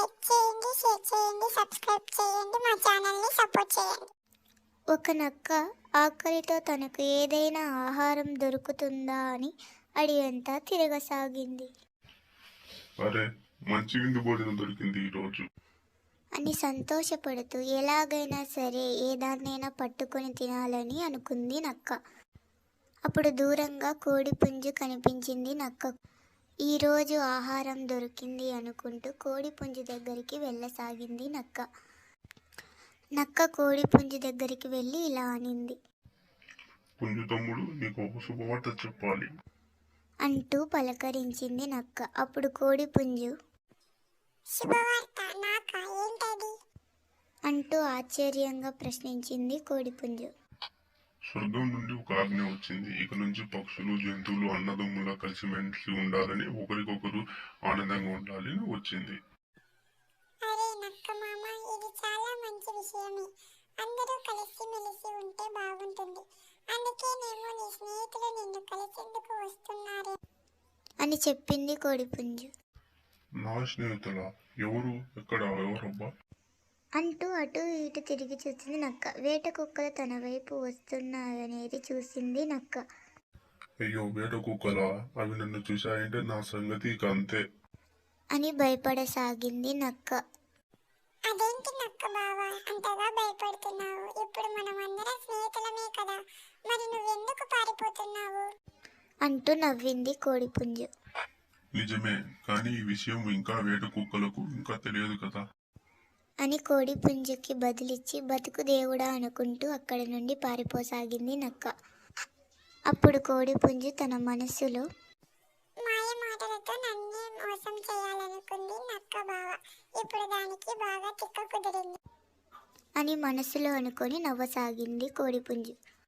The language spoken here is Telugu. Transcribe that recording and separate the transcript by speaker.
Speaker 1: లైక్ చేయండి, షేర్ చేయండి, సబ్స్క్రైబ్ చేయండి, మా ఛానల్ని సపోర్ట్ చేయండి.
Speaker 2: ఒక నక్క ఆకలితో తనకు ఏదైనా ఆహారం దొరుకుతుందా అని అడిగంతా తిరగసాగింది.
Speaker 3: అరే, మంచి విందు భోజనం దొరికింది ఈరోజు
Speaker 2: అని సంతోషపడుతూ ఎలాగైనా సరే ఏదాన్నైనా పట్టుకొని తినాలని అనుకుంది నక్క. అప్పుడు దూరంగా కోడి పుంజు కనిపించింది నక్కకు. ఈరోజు ఆహారం దొరికింది అనుకుంటూ కోడి పుంజు దగ్గరికి వెళ్ళసాగింది నక్క. నక్క కోడి పుంజు దగ్గరికి వెళ్ళి ఇలా అనింది.
Speaker 3: పుంజు తమ్ముడు, నీకు ఒక శుభవార్త చెప్పాలి
Speaker 2: అంటూ పలకరించింది నక్క. అప్పుడు కోడి పుంజు
Speaker 1: శుభవార్త నాకా? ఏంటది?
Speaker 2: అంటూ ఆశ్చర్యంగా ప్రశ్నించింది కోడిపుంజు.
Speaker 3: స్వర్గం నుండి ఒక ఆజ్ఞ వచ్చింది. ఇక నుంచి పక్షులు, జంతువులు అన్నదమ్ములా కలిసిమెలిసి ఉండాలని, ఒకరికొకరు ఆనందంగా ఉండాలని వచ్చింది.
Speaker 1: అరే నక్క మామ, ఇది చాలా మంచి విషయమే. అందరూ కలిసిమెలిసి ఉంటే బాగుంటుంది. అందుకేనేమో నీ స్నేహితులు నిన్ను కలిసేందుకు వస్తున్నారే
Speaker 2: అని చెప్పింది కోడిపుంజు.
Speaker 3: నా స్నేహితులా? ఎవరు? ఎక్కడ? ఎవరబ్బా?
Speaker 2: అంటూ అటు ఇటు తిరిగి చూసింది నక్క. వేట కుక్కలు తన వైపు వస్తున్నాయనేది చూసింది నక్క.
Speaker 3: అయ్యో, వేట కుక్కలా? అవి నన్ను చూశాయంటే నా సంగతి ఇక అంతే
Speaker 2: అని భయపడసాగింది నక్క.
Speaker 1: అదేంటి నక్క బావా, అంతగా భయపడుతున్నావు? ఇప్పుడు మనం అందరం స్నేహితులమే కదా, మరి నువ్వెందుకు పారిపోతున్నావు?
Speaker 2: అంటూ నవ్వింది కోడిపుంజు.
Speaker 3: నిజమే, కానీ ఈ విషయం ఇంకా వేట కుక్కలకు ఇంకా తెలియదు కదా
Speaker 2: అని కోడిపుంజుకి బదులిచ్చి బతుకు దేవుడా అనుకుంటూ అక్కడి నుండి పారిపోసాగింది నక్క. అప్పుడు కోడిపుంజు తన మనసులో
Speaker 1: మాయ మాటలతో నన్నే మోసం చేయాలనుకుంది నక్క బావ. ఇప్పుడు దానికి బాగా తిక్క కుదిరింది
Speaker 2: అని మనసులో అనుకొని నవ్వసాగింది కోడిపుంజు.